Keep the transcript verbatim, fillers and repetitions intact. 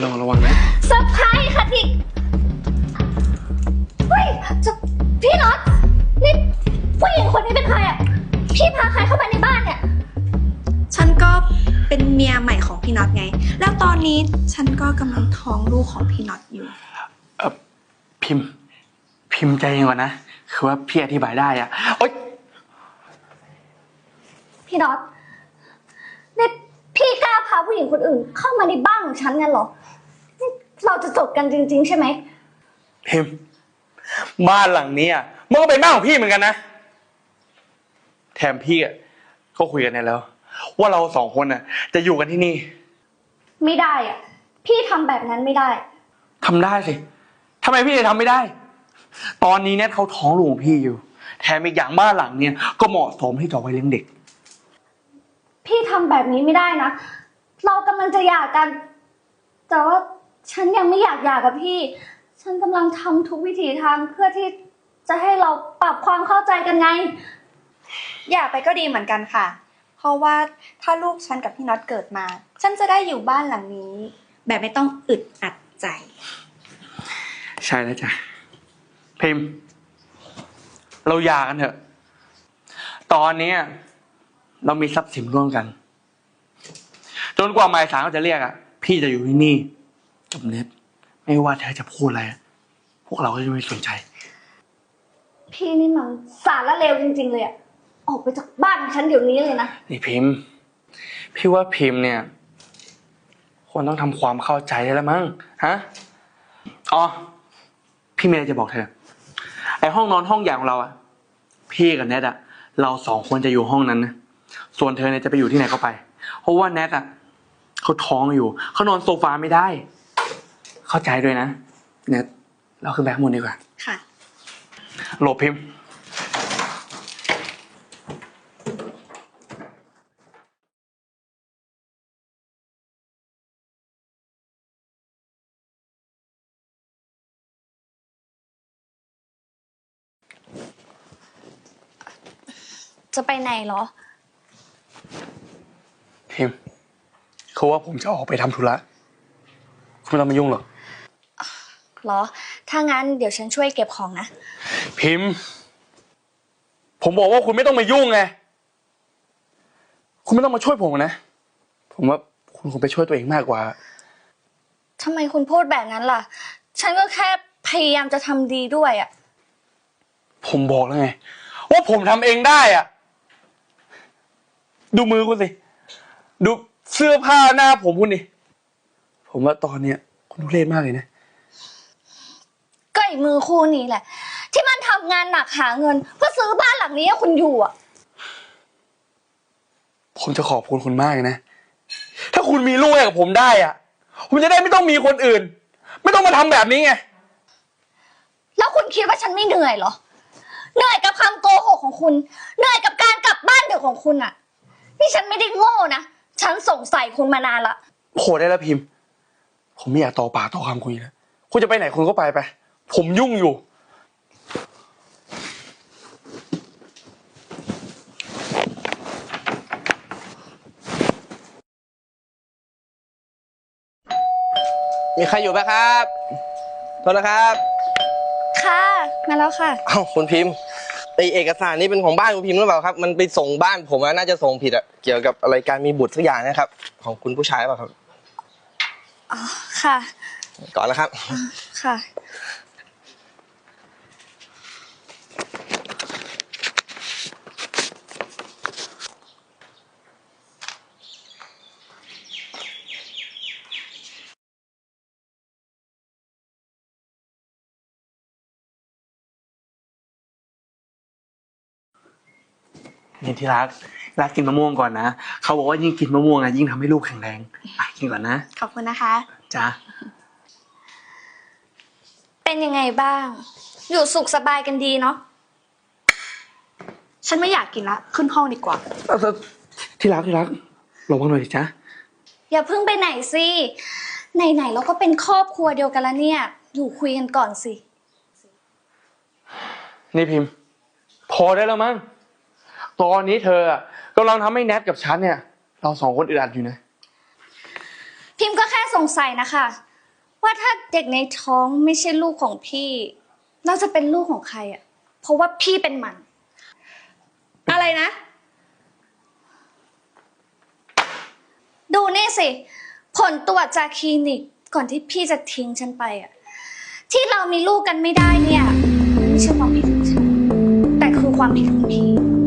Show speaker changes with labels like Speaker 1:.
Speaker 1: ลองระวังนะ
Speaker 2: เซอร์ไพรส์ค่ะที่เฮ้ยจะพี่น็อตนี่ผู้หญิงคนนี้เป็นใครอ่ะพี่พาใครเข้ามาในบ้านเนี่ย
Speaker 3: ฉันก็เป็นเมียใหม่ของพี่น็อตไงแล้วตอนนี้ฉันก็กำลังท้องลูกของพี่น็อตอยู่
Speaker 1: เออพิมพ์พิมพ์ใจเย็นก่อนนะคือว่าพี่อธิบายได้อะโอ๊ย
Speaker 2: พี่น็อตนี่พี่กล้าพาผู้หญิงคนอื่นเข้ามาในบ้านของฉันงั้นเหรอเราจะจบกันจริงๆใช่ไหม
Speaker 1: พิมพ์บ้านหลังนี้อ่ะมันก็เป็นบ้านของพี่เหมือนกันนะแถมพี่อ่ะก็คุยกันแล้วว่าเราสองคนน่ะจะอยู่กันที่นี่
Speaker 2: ไม่ได้อ่ะพี่ทำแบบนั้นไม่ได้
Speaker 1: ทำได้สิทำไมพี่จะทำไม่ได้ตอนนี้เนี่ยเขาท้องลูกของพี่อยู่แถมอีกอย่างบ้านหลังเนี่ยก็เหมาะสมที่จะไว้เลี้ยงเด็ก
Speaker 2: พี่ทำแบบนี้ไม่ได้นะเรากำลังจะหย่ากันแต่ว่าฉันยังไม่อยากหย่ากับพี่ฉันกำลังทำทุกวิถีทางเพื่อที่จะให้เราปรับความเข้าใจกันไง
Speaker 3: หย่าไปก็ดีเหมือนกันค่ะเพราะว่าถ้าลูกฉันกับพี่น็อตเกิดมาฉันจะได้อยู่บ้านหลังนี้แบบไม่ต้องอึดอัดใจ
Speaker 1: ใช่แล้วจ้ะพิมพ์เราหย่ากันเถอะตอนนี้เรามีทรัพย์สินร่วมกันจนกว่าหมายศาลเขาจะเรียกอ่ะพี่จะอยู่ที่นี่กับเน็ตไม่ว่าเธอจะพูดอะไรพวกเราก็จะไม่สนใจ
Speaker 2: พี่นี่มันสารละเลวจริงๆเลยอ่ะออกไปจากบ้านฉันเดี๋ยวนี้เลยนะ
Speaker 1: นี่พิมพ์พี่ว่าพิมพ์เนี่ยควรต้องทำความเข้าใจได้แล้วมั้งฮะอ๋อพี่มีอะไรจะบอกเธอไอห้องนอนห้องใหญ่ของเราอ่ะพี่กับเน็ตอ่ะเราสองคนจะอยู่ห้องนั้นนะส่วนเธอเนี่ยจะไปอยู่ที่ไหนก็ไปเพราะว่าเน็ตอ่ะเขาท้องอยู่เขานอนโซฟาไม่ได้เข้าใจด้วยนะเน็ตเราขึ้นไปข้างบนดีกว่า
Speaker 3: ค่ะ
Speaker 1: โหลบพิมพ์
Speaker 2: จะไปไหนเหรอ
Speaker 1: พิมพ์เขาว่าผมจะออกไปทำธุระคุณไม่ต้องมายุ่งหรอก
Speaker 2: เหรอถ้างั้นเดี๋ยวฉันช่วยเก็บของนะ
Speaker 1: พิมพ์ผมบอกว่าคุณไม่ต้องมายุ่งไงคุณไม่ต้องมาช่วยผมนะผมว่าคุณคงไปช่วยตัวเองมากกว่า
Speaker 2: ทำไมคุณพูดแบบนั้นล่ะฉันก็แค่พยายามจะทำดีด้วยอ่ะ
Speaker 1: ผมบอกแล้วไงว่าผมทำเองได้อ่ะดูมือคุณสิดูเสื้อผ้าหน้าผมคุณดิผมว่าตอนเนี้ยคุณทุเรศมากเลยนะ
Speaker 2: ก็ไอ้มือคู่นี้แหละที่มันทำงานหนักหาเงินเพื่อซื้อบ้านหลังนี้ให้คุณอยู่อ่ะ
Speaker 1: ผมจะขอบคุณคุณมากเลยนะถ้าคุณมีลูกให้กับผมได้อ่ะคุณจะได้ไม่ต้องมีคนอื่นไม่ต้องมาทำแบบนี้ไง
Speaker 2: แล้วคุณคิดว่าฉันไม่เหนื่อยเหรอเหนื่อยกับคำโกหกของคุณเหนื่อยกับการกลับบ้านดึกของคุณอ่ะนี่ฉันไม่ได้โง่นะฉันสงสัยคุณมานานละ
Speaker 1: โหได้แล้วพิมพ์ผมไม่อยากต่อปากต่อคำคุณแล้วคุณจะไปไหนคุณก็ไปไปผมยุ่งอยู่
Speaker 4: มีใครอยู่ไหมครับโทษนะครับ
Speaker 2: ค่ะมาแล้วค่ะ
Speaker 4: อ้าวคุณพิมพ์ไอเอกสารนี้เป็นของบ้านคุณพิมพ์หรือเปล่าครับมันไปส่งบ้านผมอะน่าจะส่งผิดอะเกี่ยวกับอะไรการมีบุตรสักอย่างนะครับของคุณผู้ชายหรือเปล่าครับ
Speaker 2: อ๋อค่ะ
Speaker 4: ก่อนนะครับ
Speaker 2: ค่ะ
Speaker 1: นี่ที่รักรักกินมะม่วงก่อนนะเขาบอกว่ายิ่งกินมะม่วงอะยิ่งทำให้ลูกแข็งแรงอ่ะกินก่อนนะ
Speaker 3: ขอบคุณนะคะ
Speaker 1: จ้า
Speaker 2: เป็นยังไงบ้างอยู่สุขสบายกันดีเนาะ
Speaker 3: ฉันไม่อยากกินละขึ้นห้องดีกว่า
Speaker 1: ที่รักที่รักระวังหน่อยดิจ้า
Speaker 2: อย่าเพิ่งไปไหนสิไหนๆเราก็เป็นครอบครัวเดียวกันแล้วเนี่ยอยู่คุยกันก่อนสิ
Speaker 1: นี่พิมพ์พอได้แล้วมั้งตอนนี้เธอกำลังทำให้แนทกับฉันเนี่ยเราสองคนอึดอัดอยู่นะ
Speaker 2: พิมพ์ก็แค่สงสัยนะคะว่าถ้าเด็กในท้องไม่ใช่ลูกของพี่เราจะเป็นลูกของใครอ่ะ เพราะว่าพี่เป็นมัน
Speaker 3: อะไรนะ
Speaker 2: ดูนี่สิ ผลตรวจจากคลินิกก่อนที่พี่จะทิ้งฉันไปอ่ะ ที่เรามีลูกกันไม่ได้เนี่ยไม่ใช่ความผิดของฉัน แต่คือความผิดของพี่